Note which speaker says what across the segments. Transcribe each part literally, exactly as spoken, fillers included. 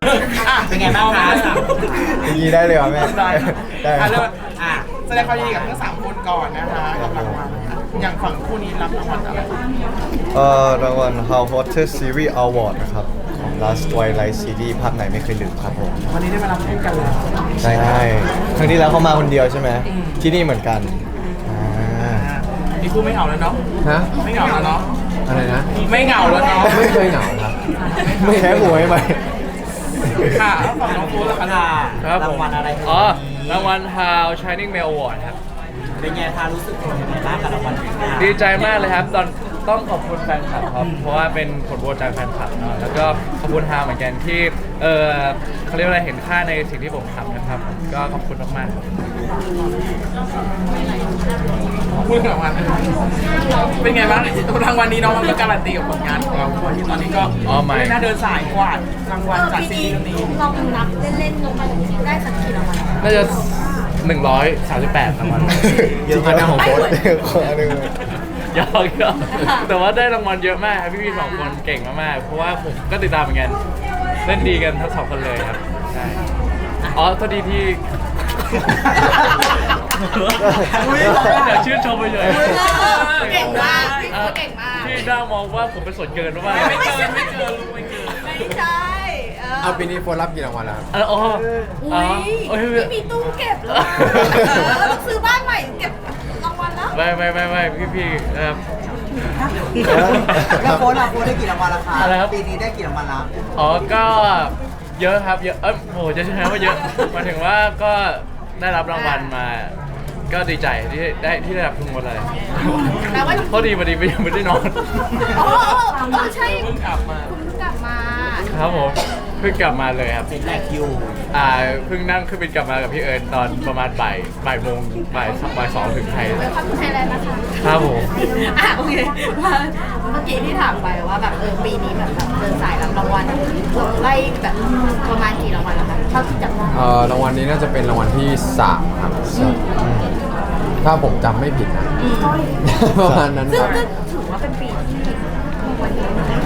Speaker 1: อ่ะเป็นไงบ้างคะ
Speaker 2: อย่างนี้ได้เลยเหรอแม่ได้ได้
Speaker 1: อ่ะเริ่ม
Speaker 3: อ่ะแสดงความยินดีกับทั้งสามคนก่อนนะคะกับรางวัลอย่างฝั่งคู่นี้รับรางวัลอะไร
Speaker 2: เอ่อรางวัล How Hottest Series Award นะครับของ Last Twilight Series ภาพไหนไม่เคยลืมครับผม
Speaker 3: วันนี้ได้มารับคู่กันเลย
Speaker 2: ใช่ครั้งที่แล้วเขามาคนเดียวใช่ไหมที่นี่เหมือนกันอ่า
Speaker 3: อ่ะมีคู่ไม่เหงาแล้วเนาะ
Speaker 4: ฮะ
Speaker 3: ไม่เหงาแล้วเนาะ
Speaker 4: อะไรนะ
Speaker 3: ไม่เหงาแล้วเนาะ
Speaker 4: ไม่เคยเหงาครับ
Speaker 2: ไม่แค่หวยไหม
Speaker 3: ค่ะแล้วฝั่งน้องโฟนล่ะคะ
Speaker 1: ค่ะ
Speaker 5: ครับผม
Speaker 1: รางวัลอะไร
Speaker 5: อ๋อรางวัล How Shining Male Award ครับ
Speaker 1: เป็นไงคะรู้สึกยังไงบ้างกับรางวัลนี้
Speaker 5: ดีใจมากเลยครับ ตอนต้องขอบคุณแฟนคลับครับ เพราะว่าเป็นผลโหวตจากแฟนคลับเนาะแล้วก็ขอบคุณฮาวเหมือนกันที่ เออเขาเรียกว่าอะไรเห็นค่าในสิ่งที่ผมทำนะครับ ก็ขอบคุณมากๆครับ
Speaker 3: พูดถึงรางวัลเป็นไงบ้างรางวัลนี้น้องมันก็การันตีกับผลงานของเราที่ตอนนี้ก็
Speaker 5: อ๋อไม่
Speaker 3: น่าเดินสายกวาดรางวัลจากซี
Speaker 6: ปี
Speaker 3: รีส์
Speaker 6: นี้
Speaker 3: เรื่องนี้
Speaker 6: ลองนับเล่นๆลงมาได้สักกี่รางวัล
Speaker 5: น่าจะหนึ่งร้อยสามสิบแปดรางวัล
Speaker 2: เยอะมากของโค้ดขอหนึ่ง
Speaker 5: ยอกยอกแต่ว่าได้รางวัลเยอะมากครับพี่ๆสองคนเก่งมากๆ เพราะว่าผมก็ติดตามเหมือนกัน เล่นดีกันทั้งสองคนเลยครับ ใช่ อ๋อพอดีที่ เดี๋ยวชื่นชมไปเลย
Speaker 6: เก่งมากพี่เขาเก่งมาก
Speaker 5: พี่น่ามองว่าผมเป็นส่วนเกินหรือเปล่า
Speaker 3: ไม่เกินไม่เกินลูกไม่เกิน
Speaker 6: ไม่ใช่เออ
Speaker 4: เอาปีนี้โฟนรับกี่รางวัลแล้วครับ
Speaker 5: เอออ๋อ
Speaker 6: อุ้
Speaker 5: อ๋อย เอ้ย
Speaker 6: ไม่มีตู้เก็บเลยเราต้องซื้อบ้านใหม่เก็บรางวัลแล้ว
Speaker 5: ไม่ไม่ไม่ไม่พี่พี่ๆครับ
Speaker 1: แล้วโค้ดเราโค้ดได้กี่รางวัลละคะ
Speaker 5: อะไรครับ
Speaker 1: ปีนี้ได้กี่รางวัลละ
Speaker 5: อ๋อ ก็เยอะครับ เยอะ เอ้ยโหจะใช้คำว่าเยอะหมายถึงว่าก็ได้รับรางวัลมา ก็ดีใจที่ได้ที่ได้รับทุกคนเลย
Speaker 6: แปลว่า
Speaker 5: พอดีพอดีไปยังไม่ได้นอน
Speaker 6: อ๋อเออใช่
Speaker 3: เพิ่งกลับมา
Speaker 6: คุณเพิ่งกลับมา
Speaker 5: ครับผมเพิ่งกลับมาเลยครับ
Speaker 1: เป็นแรกอยู่
Speaker 5: อ่าเพิ่งนั่งเครื่องบินกลับมากับพี่เอิญตอนประมาณบ่ายบ่ายโมงบ่ายสองบ่ายสองถึงไทย
Speaker 6: เวลคัมทูไทยแลนด์นะคะ
Speaker 5: ครับผม
Speaker 6: อ่ะโอเคว่าเมื่อกี้ที่ถามไปว่าแบบเออปีนี้แบบแบบเดินสายรับรางวัลเราไล่แบบประมาณกี่รางวัลแล้วคะเท่าที่จำได้
Speaker 4: เอ่อรางวัลนี้น่าจะเป็นรางวัลที่สามครับถ้าผมจำไม่ผิดนะประมาณนั้น
Speaker 6: ซึ่ง
Speaker 4: ครับ
Speaker 6: ก็ถือว่าเป็นปีที่รางวัลเยอะนะ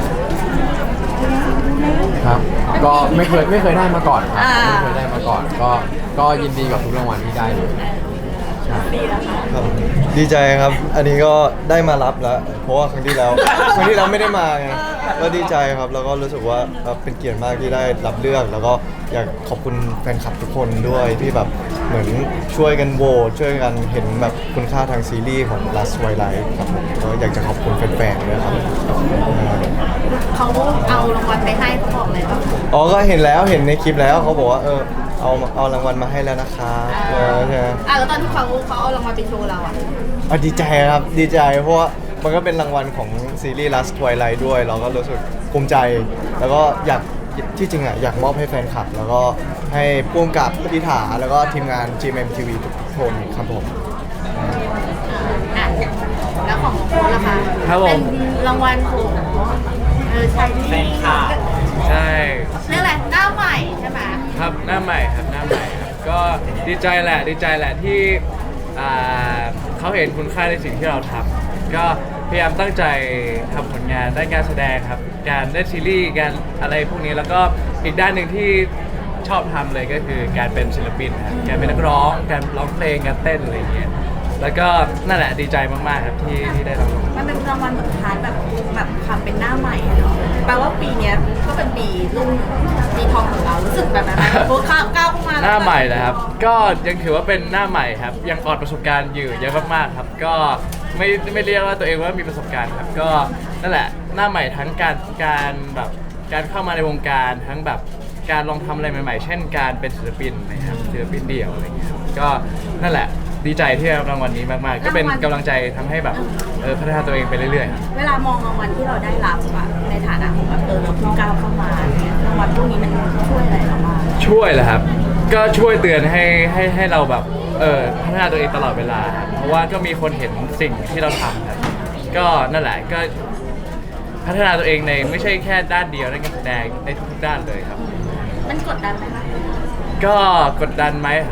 Speaker 4: ครับ ก็ไม่เคยไม่เคยได้มาก่อนครับ
Speaker 6: อ่า
Speaker 4: ไม่เคยได้มาก่อน ก็ก็ยินดีกับทุกรางวัลที่ได้เลยใช่
Speaker 6: ดีแล้วค่ะ
Speaker 2: ครับดีใจครับ อันนี้ก็ได้มารับแล้ว เพราะว่าครั้งที่แล้ว ครั้งที่แล้วไม่ได้มาไงก็ดีใจครับ แล้วก็รู้สึกว่าเอ่อเป็นเกียรติมากที่ได้รับเลือก แล้วก็อยากขอบคุณแฟนคลับทุกคนด้วยที่แบบเหมือนช่วยกันโหวตช่วยกันเห็นแบบคุณค่าทางซีรีส์ของ Last Twilight ครับผมก็อยากจะขอบคุณแฟนๆด้วยครับ
Speaker 6: เขาเอารางวัลไปให้เขาบอกเลยว่า
Speaker 2: อ๋อ ก็เห็นแล้วเห็นในคลิปแล้วเขาบอกว่าเออเอาเอารางวัลมาให้แล้วนะครับเออใช่ไหม
Speaker 6: อ่ะแล้วตอนที่เขาเขาเอารางวัลไปโชว์เราอ่ะ
Speaker 2: อ่ะดีใจครับดีใจเพราะว่ามันก็เป็นรางวัลของซีรีส์ Last Twilight ด้วย เราก็รู้สึกภูมิใจ แล้วก็อยากที่จริงอ่ะอยากมอบให้แฟนคลับ แล้วก็ให้พ่วงกับพิธาแล้วก็ทีมงาน จี เอ็ม เอ็ม ที วี ทุกคนครับผม
Speaker 6: อ่ะแล้วของน้องโค้ชล่ะคะ
Speaker 5: ครับผม
Speaker 6: เป็นรางวัลของเออใช่
Speaker 1: แฟนคลับ
Speaker 5: ใช่
Speaker 6: เรื่องอะไรหน้าใหม่ใช่ไหม
Speaker 5: ครับหน้าใหม่ครับหน้าใหม่ครับก็ดีใจแหละดีใจแหละที่อ่าเขาเห็นคุณค่าในสิ่งที่เราทำก็พยายามตั้งใจทำผลงานด้านการแสดงครับ การเล่นซีรีส์การอะไรพวกนี้แล้วก็อีกด้านหนึ่งที่ชอบทำเลยก็คือการเป็นศิลปินครับการเป็นนักร้องการร้องเพลงการเต้นอะไรอย่างเงี้ยแล้วก็นั่นแหละดีใจมากๆครับที่ที่ได้รับรางวัล
Speaker 6: มันเป็นรางวัลเหมือนพาร์ทแบบแบบความเป็นหน้าใหม่อะเนาะแปลว่าปีเนี้ยก็เป็นปีรุ่งปีทองของเรารู้สึกแบบนั้นไหมโค้ชก้าวก้าวเข้ามา
Speaker 5: หน้าใหม่นะครับ ก็ยังถือว่าเป็นหน้าใหม่ครับ ยังอ่อนประสบการณ์อยู่เยอะมากๆครับ ก็ไม่ไม่เรียกว่าตัวเองว่ามีประสบการณ์ครับ ก็นั่นแหละหน้าใหม่ทั้งการการแบบการเข้ามาในวงการทั้งแบบการลองทำอะไรใหม่ๆ เช่นการเป็นศิลปินนะครับศิลปินเดี่ยวอะไรเงี้ยครับก็นั่นแหละดีใจที่ได้รับรางวัลนี้มากๆ ก็เป็นกำลังใจทำให้แบบเออพัฒนาตัวเองไปเรื่อยๆครับ
Speaker 6: เวลามองรางวัลที่เราได้รับอะในฐานะของแบบเออเราเพิ่งก้าวเข้ามาเนี่ยรางวัลพวกนี้มันช่วยอะไรเราบ้าง
Speaker 5: ช่วยแหละครับ ก็ช่วยเตือนให้ให้ให้เราแบบเออพัฒนาตัวเองตลอดเวลาครับเพราะว่าก็มีคนเห็นสิ่งที่เราทำครับ ก็นั่นแหละก็พัฒนาตัวเองในไม่ใช่แค่ด้านเดียวด้านการแสดงในทุกๆด้านเลยครับ
Speaker 6: มันกดดันไหมคะ
Speaker 5: ก็กดดันไหมครับ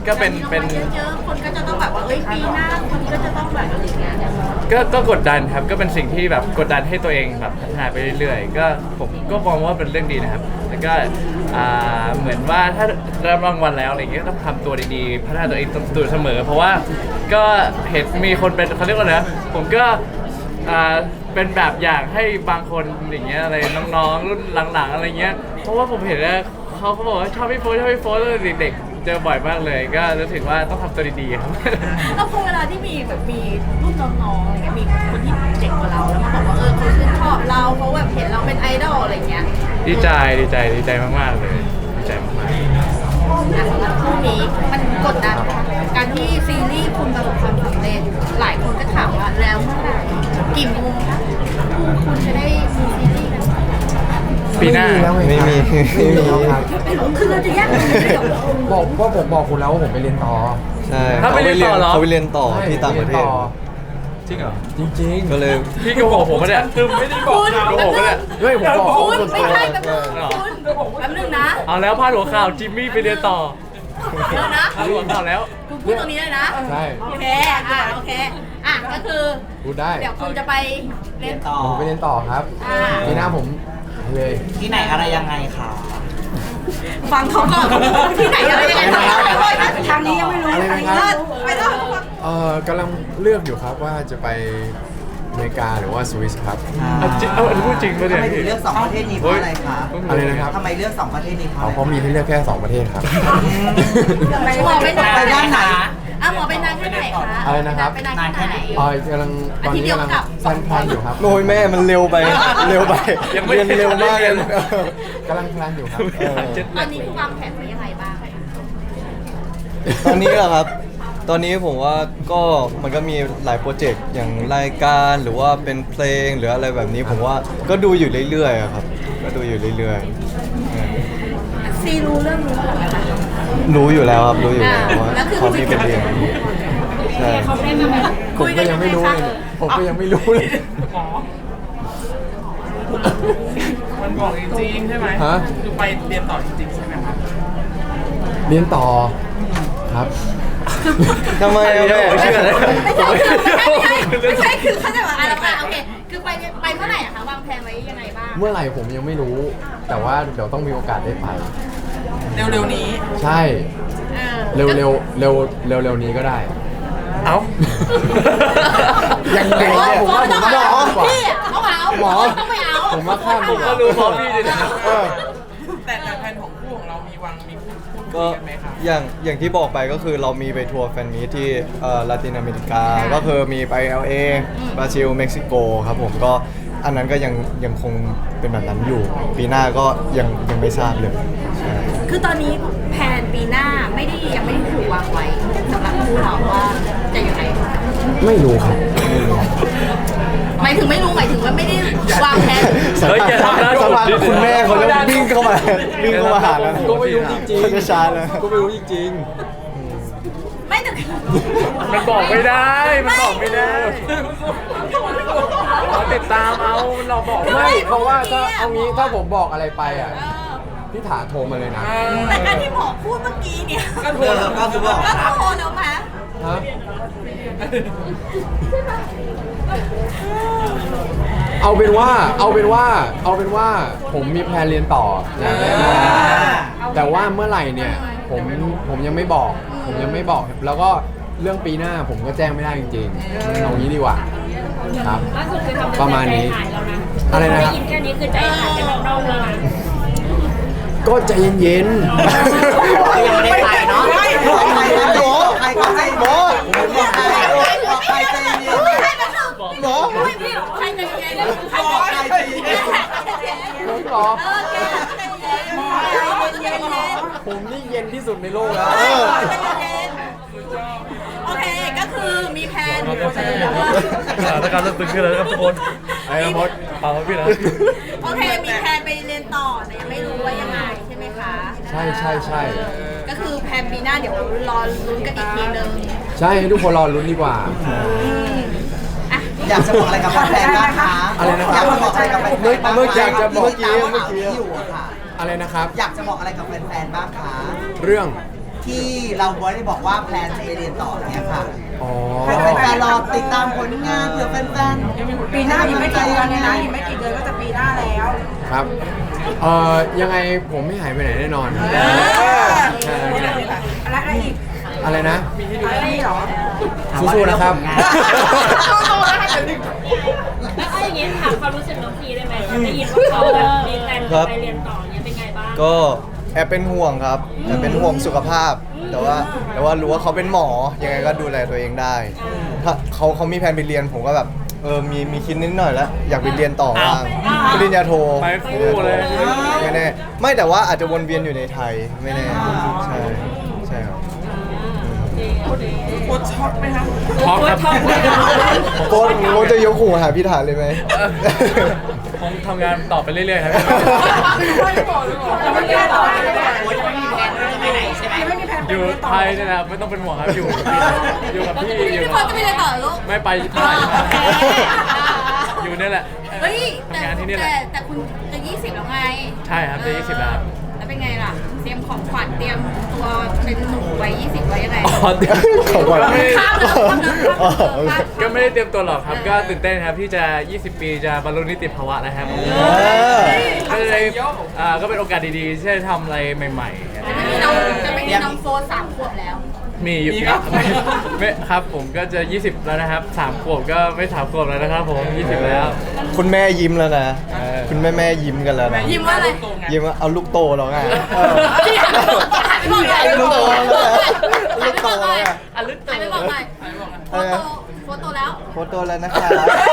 Speaker 5: ก็เป็นเป็น
Speaker 6: เยอะๆคนก็จะต้องแบบว่าเอ้ยปีหน้าคนก็จะต้องแบบอะไรอย่างเงี้ย
Speaker 5: ก็ก็กดดันครับก็เป็นสิ่งที่แบบกดดันให้ตัวเองแบบพัฒนาไปเรื่อยๆก็ผมก็มองว่าเป็นเรื่องดีนะครับแล้วก็อ่าเหมือนว่าถ้ารับรางวัลแล้วอะไรอย่างเงี้ยก็ต้องทำตัวดีๆพัฒนาตัวเองตัวเสมอ เพราะว่าก็เห็นมีคนเป็นเขาเรียกว่าอะไรนะผมก็อ่าเป็นแบบอย่างให้บางคนอย่างเงี้ยอะไรน้องๆรุ่นหลังๆอะไรเงี้ยเพราะว่าผมเห็นว่าเขาเขาบอกว่าชอบพี่โฟร์ชอบพี่โฟร์ตั้งแต่เด็กๆเจอบ่อยมากเลยก็รู้สึกว่าต้องทำตัวดีๆครับ
Speaker 6: แล้วพอเวลาที่มีแบบมีรุ่นน้องๆอะไรเงี้ยมีคนที่เด็กกว่าเราแล้วมาบอกว่าเออเขาชื่นชอบเราเขาแบบเห็นเราเป็นไอดอลอะไรเงี้ย
Speaker 5: ดีใจดีใจดีใจมากๆเลยดีใจมากๆ
Speaker 6: อ่ะสำหรับคู่นี้มันกดดันไหมคะการที่ซีรีส์คุณประสบความสำเร็จหลายคนก็ถามว่าแล้วเมื่อไหร่กี่โมงคะคู่คุณจะได้มีซีรีส์กัน
Speaker 5: ปีหน้า
Speaker 2: ไม่มีไม่มี
Speaker 4: ครับ
Speaker 6: คือเราจะแยกกันไม่ได้หรอ
Speaker 4: บอกว่าผมบอกคุณแล้วว่าผมไปเรียนต่อ
Speaker 2: ใช่
Speaker 5: ถ้าไปเรียนต่อเหรอ
Speaker 2: เขาไปเรียนต่อ
Speaker 4: ใช่
Speaker 2: ที่ต่างประเทศ
Speaker 5: จริงเหรอ
Speaker 4: จริงๆ
Speaker 2: ก็เลย
Speaker 5: พี่โกหกผมปะเนี่ยคือไม่ได้บอกโกหกปะเนี่ย
Speaker 4: เฮ้ยผมบอก
Speaker 6: คุณ
Speaker 4: ส่วน
Speaker 6: ไม่
Speaker 4: ตัว
Speaker 6: ใช่แป๊บนึงคุณแป๊บนึงนะ
Speaker 5: เอาแล้วพาดหัวข่าวจิมมี่ไปเรียนต่อ
Speaker 6: เดี๋ยวนะ
Speaker 5: พาดหัวข่าวแล้ว
Speaker 6: คุณพูดตรงนี้เลยนะ
Speaker 4: ใช่
Speaker 6: โอเคอ่ะโอเคอ่ะก็คือ
Speaker 4: พูดได้
Speaker 6: เดี๋ยวคุณจะไปเรียน
Speaker 1: ต่อ
Speaker 4: ผมไปเรียนต่อครับ
Speaker 6: อ่า
Speaker 4: ปีหน้าผมเลย
Speaker 1: ที่ไหนอะไรยังไงคะ
Speaker 6: ฟังเขาก่อนที่ไหนอะไรยังไงทางนี้ยังไม่รู้
Speaker 4: อะไร
Speaker 6: ทาง
Speaker 4: นะ
Speaker 6: นี้
Speaker 4: ครับ
Speaker 6: เลิศไปเลิศ
Speaker 4: เอ่อกำลังเลือกอยู่ครับว่าจะไปอเมริกาหรือว่าสวิสครับ
Speaker 5: เอาจริงเอาอันนี้พูดจริงปะเนี่ย
Speaker 1: ทำไมถึงเลือกสองประเทศนี้เพราะอะไรคะ
Speaker 4: อะไรนะครับ
Speaker 1: ทำไมเลือกสองประเทศนี้เพราะ
Speaker 4: เขา
Speaker 1: อะไร
Speaker 4: เขามีให้เลือกแค่สองประเทศครับ
Speaker 6: หมอไปนาน
Speaker 1: ไปด้านไหน
Speaker 6: อ่ะหมอไปนานแค่ไหนคะ
Speaker 4: อะไรนะครับ
Speaker 6: ไปนานแค่ไหน
Speaker 4: เอ่อกำลังตอนนี้กำลังแพลนแพลนอยู่ครับ
Speaker 2: โอ้ยแม่มันเร็วไปเร็วไป
Speaker 5: ยังไม่
Speaker 2: เรียนเร็วมากเลย
Speaker 4: กำลังแพลนอยู่ครับ
Speaker 2: เออ
Speaker 6: ตอนนี้คือวางแผนไว้ยังไงบ้าง
Speaker 2: ตอนนี้เหรอครับ ตอนนี้ผมว่าก็มันก็มีหลายโปรเจกต์อย่างรายการหรือว่าเป็นเพลงหรืออะไรแบบนี้ผมว่าก็ดูอยู่เรื่อยๆอะครับ ก็ดูอยู่เรื่อยๆเออ
Speaker 6: ซีรู้เรื่องนี้หรือเปล่าคะ
Speaker 2: รู้อยู่แล้วครับรู้อยู่แล้ว
Speaker 6: อ่า
Speaker 2: ว่า
Speaker 6: แล้วคือ
Speaker 2: เขามีเป็นเรียนใช่
Speaker 4: ผมก็ยังไม่รู้เลยเนี่ยผมก็ยังไม่รู้เลย
Speaker 3: มันบอกจริงๆใช่ไหม
Speaker 4: ฮะ
Speaker 3: คือไปเรียนต่อจริงๆใช่ไหมครับ
Speaker 4: เรียนต่อครับ
Speaker 2: ทำไมอะ
Speaker 5: เดี๋ยว
Speaker 2: แม่
Speaker 5: ผมเชื่อเลย
Speaker 6: ไม่ใช่คือเข้าใจว่าอะไรอ่ะโอเคคือไปไปเมื่อไหร่อะคะวางแผนไว้ยังไงบ้าง
Speaker 4: เมื่อไหร่ผมยังไม่รู้ แต่ว่าเดี๋ยวต้องมีโอกาสได้ไป
Speaker 3: เร็วๆนี้
Speaker 4: ใช่
Speaker 6: เออ
Speaker 4: เร็วเร็วเร็วเร็วเร็วนี้ก็ได้
Speaker 5: เอ้า
Speaker 4: ยังไงเนี่ยผมว่าผมว่า
Speaker 6: หมอ
Speaker 4: ดีกว่า
Speaker 6: พี่อะต้องเอา
Speaker 4: หมอ
Speaker 6: ต้องไปเอา
Speaker 4: ผมว่าข้าม
Speaker 5: ผมก็รู้พร้อมพี่เลยนะ
Speaker 4: เออ
Speaker 3: แต่แต่แผนของคู่ของเรามีวางมีพูดพูดคุ
Speaker 2: ก็
Speaker 3: ยกันไหมครับ
Speaker 2: อย่างอย่างที่บอกไปก็คือเรามีไปทัวร์แฟนมีตที่เอ่อลาตินอเมริกา ก็คือมีไป แอล เอ บราซิล เม็กซิโกครับผมก็อันนั้นก็ยังยังคงเป็นแบบนั้นอยู่ ปีหน้าก็ยังยังไม่ทราบเลยใช่
Speaker 6: คือตอนนี้แผนปีหน้าไม่ได้ยังไม่ได้ถูกวางไว้สำหรับคู่เราว่าจะยังไง
Speaker 4: ไม่รู้ครับ
Speaker 6: หมายถึงไม่รู้หมายถึงว่าไม่ได้วางแผน
Speaker 5: เฮ้ยอย่าทำนะ
Speaker 2: สักพักคุณแม่เขาจะวิ่งเข้ามาวิ่งเข้ามาหาแล้ว
Speaker 4: ก็ไม่รู้จริง
Speaker 2: เขาจะชาร์จแล้ว
Speaker 4: ก็ไม่รู้จริง
Speaker 6: ไม่แต่
Speaker 5: มันบอกไม่ได้ มันบอกไม่ได้เราติดตามเอาเราบอก
Speaker 4: ๆ
Speaker 5: ไม่
Speaker 4: ไม่เพราะว่าถ้าเอางี้ถ้าผมบอกอะไรไปอ่ะพี่ถาโทรมาเลยนะ
Speaker 6: แต่การที่หมอพูดเมื่อกี้เนี่ย
Speaker 3: ก็
Speaker 1: เออก็คือบอก
Speaker 6: ก็
Speaker 1: นะ
Speaker 6: โทรแล้วมา
Speaker 4: ฮะเอาเป็นว่าเอาเป็นว่าเอาเป็นว่าผมมีแพลนเรียนต่ออย่างแน่นอนแต่ว่าเมื่อไหร่เนี่ยผมผมยังไม่บอก ผมยังไม่บอก แล้วก็เรื่องปีหน้าผมก็แจ้งไม่ได้จริงๆเอางี้ดีกว่าครับ
Speaker 7: ล่าสุดคือทำ
Speaker 4: ประมาณนี้
Speaker 7: ใจหายแล้วนะ
Speaker 4: อะไรนะครับ
Speaker 7: ด้ยินแค่นี้คือใจหายกันทั้งนอกเลยนะ
Speaker 4: ก็ใจเย็น
Speaker 1: ยังไม่ได้ไปเนาะใครก็ให้หมอใครก็ให้หมอบอกใครบอกใครใจเย็น
Speaker 6: หมอไม่พี่ใครจะเย็นใครจะเย็น
Speaker 4: ๆผมเหรอ
Speaker 6: เออแกใจเย็นเย็นเย็น
Speaker 4: ผมนี่เย็นที่สุดในโลกแล้ว
Speaker 6: โอเคก็คือมีแผน
Speaker 5: สถานการณ์เริ่มตึงขึ้นแล้วนะครับทุกคน
Speaker 4: ไอ้มด
Speaker 5: เปล่าครับพี่นะ
Speaker 6: โอเคมีแผนไปเรียนต่อแต่ยังไม่รู้ว่ายังไงใช่ไหมคะ
Speaker 4: ใช่ใช่ใช่
Speaker 6: ก็คือแผนปีหน้าเดี๋ยวรอลุ้นกันอีกทีนึง
Speaker 4: ใช่ให้ทุกคนรอลุ้นดีกว่า
Speaker 6: อ่ะ
Speaker 1: อยากจะบอกอะไรกับแฟนๆบ้างคะ
Speaker 4: อะไรนะครับ
Speaker 1: อยากจะบอกอะไรกับแฟนๆบ้าง
Speaker 4: เมื่อกี้อยากจะบอก
Speaker 1: เมื่อกี้เมื่อกี้อยู่อะค่ะ
Speaker 4: อะไรนะครับ
Speaker 1: อยากจะบอกอะไรกับแฟนๆบ้างคะ
Speaker 4: เรื่อง
Speaker 1: ที่เราบอยได้บอกว่าแพลนจะไปเรียนต่อเนี่ยค่ะ
Speaker 4: อ๋อ
Speaker 1: แฟนๆรอติดตามผลงานเผื่อแฟนๆ
Speaker 8: ปีหน้าอีกไม่กี่เดือนเนี่ยนะอีกไม่กี่เดือนก็จะปีหน้าแล้ว
Speaker 4: ครับเอ่อยังไงผมไม่หายไปไหนแน่นอนใช่
Speaker 8: อะไรอะไรอีก
Speaker 4: อะไรนะ
Speaker 8: อะไรเหรอ
Speaker 4: สู้ๆนะครับ
Speaker 7: แล้วเอาอย่างงี้ถามความรู้สึกน้องพีได้ไหมตอนได้ยินว่าเขาแบบมีแพลนจะไปเรียนต่อเนี่ยเป็นไงบ้าง
Speaker 2: ก็แอบเป็นห่วงครับแอบเป็นห่วงสุขภาพ แต่ว่าแต่ว่ารู้ว่าเขาเป็นหมอยังไงก็ดูแลตัวเองได้ถ้าเขาเขามีแผนไปเรียนผมก็แบบเออมีมีคิดนิดหน่อยแล้วอยากไปเรียนต่อบ้างปริญญาโท
Speaker 5: ไปคู่เลย
Speaker 2: ไม่แน่ไม่แต่ว่าอาจจะวนเวียนอยู่ในไทยไม่แน่ใช่ใช่ครับ
Speaker 3: โคตรช็อกไหมครับ
Speaker 5: พร้อมครับ
Speaker 2: โค้ชโค้ชจะยกหูหาพี่ฐานเลยไหม
Speaker 5: คงทำงานต่อไปเรื่อยๆครับ
Speaker 8: จะไม่มีแผนต่อเลย
Speaker 5: อยู่ไทยเนี่ยนะครับไม่ต้องเป็นห่วงครับอยู่อยู่กับพี่อยู่
Speaker 6: พี่
Speaker 5: กับ
Speaker 6: พลจะไปเรียนต่อลูก
Speaker 5: ไม่ไปที่ไหนอยู่เนี่ยแหละ
Speaker 6: เฮ้ยแต่
Speaker 5: ทำงานที่นี่แหละ
Speaker 6: แต่แต่คุณจะยี่สิบแล้วไง
Speaker 5: ใช่ครับจะยี่สิบแล้วครับ
Speaker 6: แล้วเป็นไงล่ะ เตรียมของขวัญเตรียมตัวเป็นหนุ่มวัยยี่สิบไว้ยังไง
Speaker 5: อ๋อเตรียม
Speaker 2: ของขวัญ
Speaker 5: ก็ไม่
Speaker 6: ข้ามเลยข้ามเลย
Speaker 2: อ๋อ
Speaker 5: ก็ไม่ได้เตรียมตัวหรอกครับ ก็ตื่นเต้นครับที่จะ ยี่สิบ ปีจะบรรลุนิติภาวะแล้วครับก็เลยอ่าก็เป็นโอกาสดีๆที่จะทำอะไรใหม่ๆ
Speaker 6: จะไม่มีน้องจะไม่มีน้องโฟร์สามขวบแล้ว
Speaker 5: มีอยู่ไม่ไม่ครับผมก็จะ ยี่สิบ แล้วนะครับสามขวบก็ไม่สามขวบแล้วนะครับผมยี่สิบแล้ว
Speaker 2: คุณแม่ยิ้มแล้วนะ
Speaker 5: เออ
Speaker 2: คุณแม่แม่ยิ้มกันแล้วนะ
Speaker 6: ยิ้มว่าอะไร
Speaker 2: ยิ้มว่าเอาลูกโตแล้วไงเออ
Speaker 6: ลูกโตแล้ว
Speaker 2: ลูกโตแล้วไง
Speaker 6: อ่ะลึกโตไม่บอกหน่อยโฟโต้โฟโต้แล้ว
Speaker 2: โคตรโตแล้วนะคะ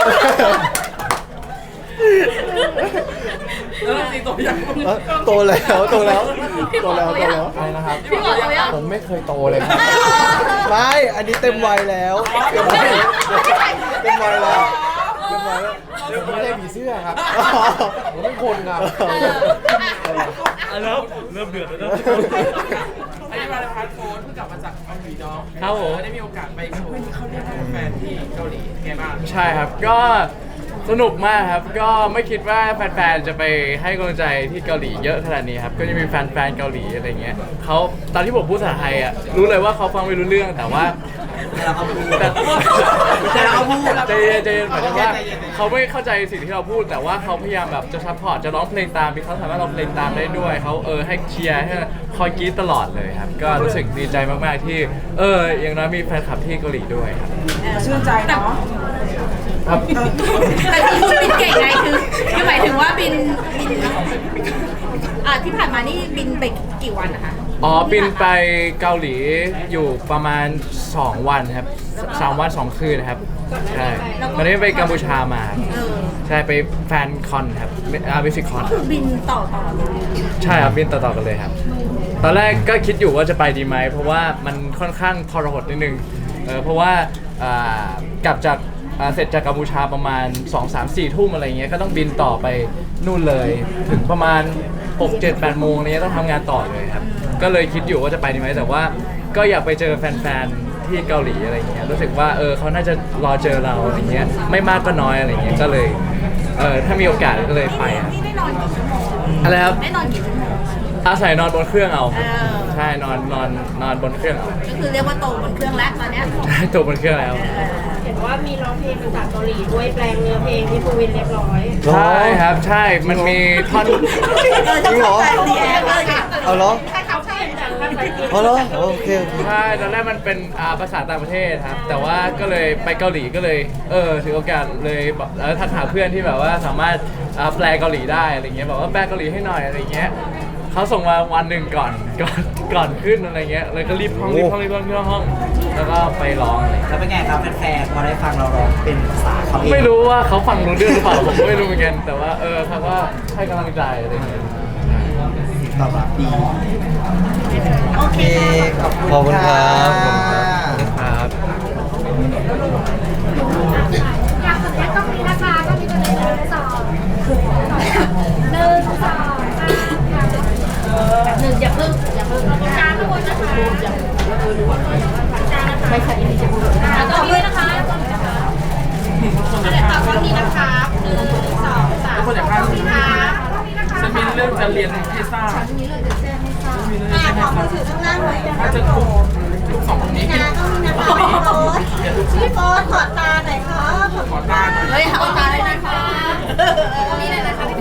Speaker 3: แล้วเราตีตัวอย่าง
Speaker 2: เอ้ยโตแล้วโตแล้วโตแล้วโตแล้ว
Speaker 4: อะไรนะครับ
Speaker 6: พี่บอกเขายัง
Speaker 4: ผมไม่เคยโตเลยครับ
Speaker 2: ไม่ อันนี้เต็มวัยแล้วเต็มวัยเต็มวัยแล้วเต็มวัยแล้ว
Speaker 4: ผมไม่ใช่ผีเสื้อครับ ผมเป็นคนครับ
Speaker 5: เริ่มเริ่มเดือดแล้ว
Speaker 3: ไอ้มาเลพัทโค้ดเพิ่งกลับมาจากเกาหลีเนาะ
Speaker 5: ครับผม
Speaker 3: ได้มีโอกาสไปเขาเขาเรียกแฟนที่เกาหลีไงบ้าง
Speaker 5: ใช่ครับก็สนุกมากครับ ก็ไม่คิดว่าแฟนๆจะไปให้กำลังใจที่เกาหลีเยอะขนาดนี้ครับก็จะมีแฟนๆเกาหลีอะไรเงี้ยเขาตอนที่ผมพูดภาษาไทยอ่ะรู้เลยว่าเขาฟังไม่รู้เรื่องแต่ว่า
Speaker 1: เราเอาพูด
Speaker 5: แต่
Speaker 1: แต่เราเอาพูด
Speaker 5: ใจเย็นใจเย็นหมายถึงว่าเขาไม่เข้าใจสิ่งที่เราพูด แต่ว่าเขาพยายามแบบจะซัพพอร์ตจะร้องเพลงตามเขาสามารถร้องเพลงตามได้ด้วยเขาเออให้เชียร์ให้คอยกรี๊ดตลอดเลยครับก็รู้สึกดีใจมากๆที่เอออย่างน้อยมีแฟนคลับที่เกาหลีด้วยครับ
Speaker 8: ชื่นใจเนาะ
Speaker 5: ครับ
Speaker 6: แต่ที่คุณบินเก่งไงคือคือหมายถึงว่าบินบินอ่าที่ผ่านมานี่บินไปกี่วันนะคะ
Speaker 5: อ๋อบินไปเกาหลีอยู่ประมาณ สอง วันครับสามวันสองคืนครับใช่ตอนนี้ไปกัมพูชามาครับ
Speaker 6: เออ
Speaker 5: ใช่ไปแฟนคอนครับอาร์บิฟิคอน
Speaker 6: คือบินต่อต่อเลย
Speaker 5: ใช่ครับบินต่อๆกันเลยครับ ตอนแรกก็คิดอยู่ว่าจะไปดีไหมเพราะว่ามันค่อนข้างทรหดนิดนึงเออเพราะว่าอ่ากลับจากอ่าเสร็จจากกัมพูชาประมาณ สอง สาม สี่ ทุ่มอะไรเงี้ยก็ต้องบินต่อไปนู่นเลย ถึงประมาณ หก เจ็ด แปด โมงเนี้ยต้องทำงานต่อเลยครับก็เลยคิดอยู่ว่าจะไปดีไหมแต่ว่าก็อยากไปเจอแฟนๆที่เกาหลีอะไรเงี้ยรู้สึกว่าเออเขาน่าจะรอเจอเราอะไรเงี้ยไม่มากก็น้อยอะไรเงี้ยก็เลยเออถ้ามีโอกาสก็เลยไปครับ
Speaker 6: นี่ได้นอนกี่ชั่วโมง
Speaker 5: อะไรครับ
Speaker 6: ได้นอนกี่ชั่วโมง
Speaker 5: อาศัยนอนบนเครื่องเอา
Speaker 6: เออ
Speaker 5: ใช่นอนนอนนอนบนเครื่องเอา
Speaker 6: ก็คือเรียกว่าโตบนเครื่องแล้วตอนเนี้ย
Speaker 5: ใช่ตัวบนเครื่องแล้ว
Speaker 7: เห็นว่ามีร้องเพลงภาษาเกาหลีด้วยแปลงเนื้อเพลงที่ภูวินเรียบร้อย
Speaker 5: ใช่ครับใช่มันมีท่อน
Speaker 2: จริงเหรอ
Speaker 6: ดีแอร์เลย
Speaker 2: เอาเหรอ
Speaker 7: ใช่เขาใช่แต่ภาษาอังกฤษ
Speaker 2: เอาเหรอโอเคโอเค
Speaker 5: ใช่ตอนแรกมันเป็นอ่าภาษาต่างประเทศครับแต่ว่าก็เลยไปเกาหลีก็เลยเออถือโอกาสเลยบอกแล้วทักหาเพื่อนที่แบบว่าสามารถอ่าแปลเกาหลีได้อะไรเงี้ยบอกว่าแปลเกาหลีให้หน่อยอะไรเงี้ยเขาส่งมาวันหนึ่งก่อนก่อนก่อนขึ้นอะไรเงี้ยเลยก็รีบห้องรีบห้องรีบห้องรีบห้องแล้วก็ไปร้องอะไร
Speaker 1: แล้วเป็นไงครับแฟนๆพอได้ฟังเราร้องเป็นภาษาเขาเอง
Speaker 5: ไม่รู้ว่าเขาฟังรู้เรื่องหรือเปล่าผมก็ไม่รู้เหมือนกันแต่ว่าเออเขาก็ให้กำลังใจอะไรเงี้ย
Speaker 1: ตอบรับดีโอเคขอบคุณ
Speaker 2: ขอบคุณครับ
Speaker 1: ะ
Speaker 2: ขอบคุณครับ
Speaker 5: ครับ
Speaker 9: อยากสัญญาต้องมีนะคะก็มีตัวเลขหนึ่งสองหนึ่งสอง
Speaker 6: หนึ่งอย่าเพิ่งอย่าเพิ่ง
Speaker 9: กลางทุกคนนะคะ
Speaker 6: ไม่ใช่ไม่ใช่
Speaker 9: แล้วก็ด้วยนะคะเดี๋ยวต่อกล้องนี้นะคะหนึ่งสองสาม
Speaker 3: ทุกคนอย่าพลาด
Speaker 9: กล้องนี้นะคะกล้องนี้นะคะ
Speaker 3: จะมีเรื่องจะเรียนพิซซ่า
Speaker 6: นี้เลยจะแจ้งให้ทราบ
Speaker 3: ขอมือถือข้างล่างหน่อยถ้าจะคุมทุกสองคนนี้
Speaker 6: นะต้องมีนะคะพี่โฟสพี่โฟสขอตาหน่อยครับ
Speaker 3: ขอตาหน่อย
Speaker 6: เฮ้ยขอตาเลยนะคะตรงนี้เลยนะคะพี่